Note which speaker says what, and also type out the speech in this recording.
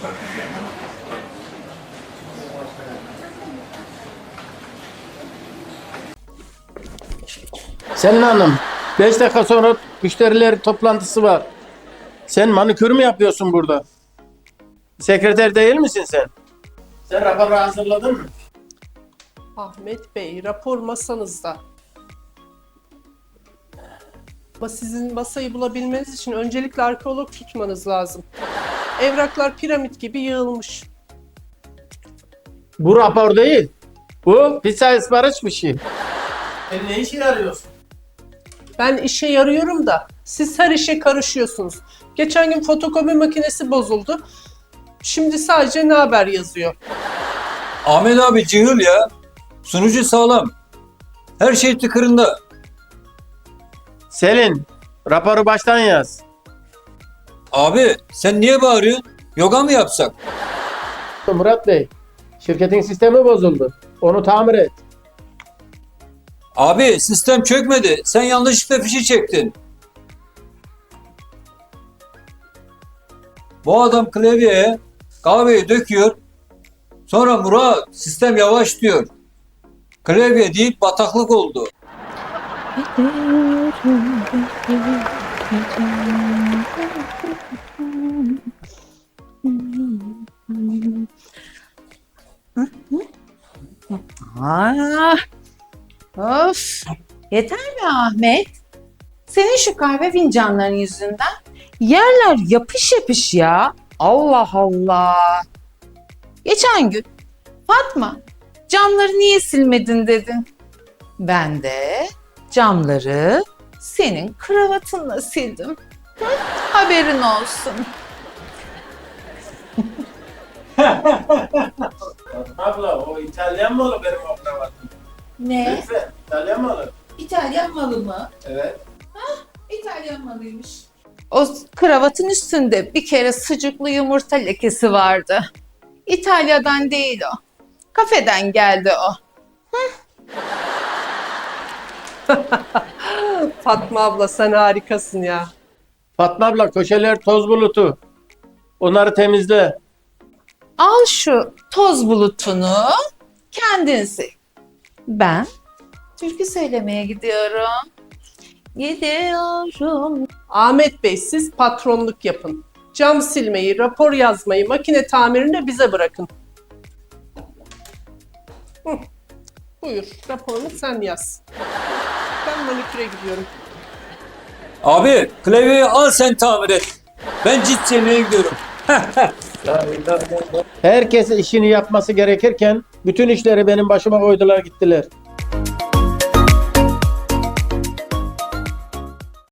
Speaker 1: Selin Hanım, 5 dakika sonra müşteriler toplantısı var. Sen manikür mü yapıyorsun burada? Sekreter değil misin sen? Sen raporu hazırladın mı?
Speaker 2: Ahmet Bey, rapor masanızda. Ama sizin masayı bulabilmeniz için öncelikle arkeolog tutmanız lazım. Evraklar piramit gibi yığılmış.
Speaker 1: Bu rapor değil. Bu pizza ısmarış bir şey. Sen ne işe yarıyorsun?
Speaker 2: Ben işe yarıyorum da siz her işe karışıyorsunuz. Geçen gün fotokopi makinesi bozuldu. Şimdi sadece ne haber yazıyor.
Speaker 3: Ahmet abi cihıl ya. Sunucu sağlam. Her şey tıkırında.
Speaker 1: Selin, raporu baştan yaz.
Speaker 3: Abi sen niye bağırıyorsun? Yoga mı yapsak?
Speaker 1: Murat Bey, şirketin sistemi bozuldu. Onu tamir et.
Speaker 3: Abi sistem çökmedi. Sen yanlışlıkla fişi çektin. Bu adam klavyeye kahveyi döküyor. Sonra Murat sistem yavaş diyor. Klavye değil bataklık oldu.
Speaker 4: Aa, of. Yeter mi Ahmet? Senin şu kahve fincanların yüzünden yerler yapış yapış ya. Allah Allah. Geçen gün Fatma camları niye silmedin dedin. Ben de camları senin kravatınla sildim. Hı? Haberin olsun.
Speaker 1: Abla, o İtalyan mı olur benim o kravatım?
Speaker 4: Ne?
Speaker 1: Lütfen, İtalyan mı olur?
Speaker 4: İtalyan malı mı?
Speaker 1: Evet.
Speaker 4: İtalyan malıymış. O kravatın üstünde bir kere sucuklu yumurta lekesi vardı. İtalya'dan değil o. Kafeden geldi o.
Speaker 2: Fatma abla sen harikasın ya.
Speaker 1: Fatma abla, köşeler toz bulutu. Onları temizle.
Speaker 4: Al şu toz bulutunu kendin sil. Ben türkü söylemeye gidiyorum. Gidiyorum.
Speaker 2: Ahmet Bey siz patronluk yapın. Cam silmeyi, rapor yazmayı, makine tamirini de bize bırakın. Hı. Buyur raporunu sen yaz. Ben maniküre gidiyorum.
Speaker 3: Abi klavyeyi al sen tamir et. Ben cilt yemeye gidiyorum.
Speaker 1: Herkes işini yapması gerekirken bütün işleri benim başıma koydular gittiler.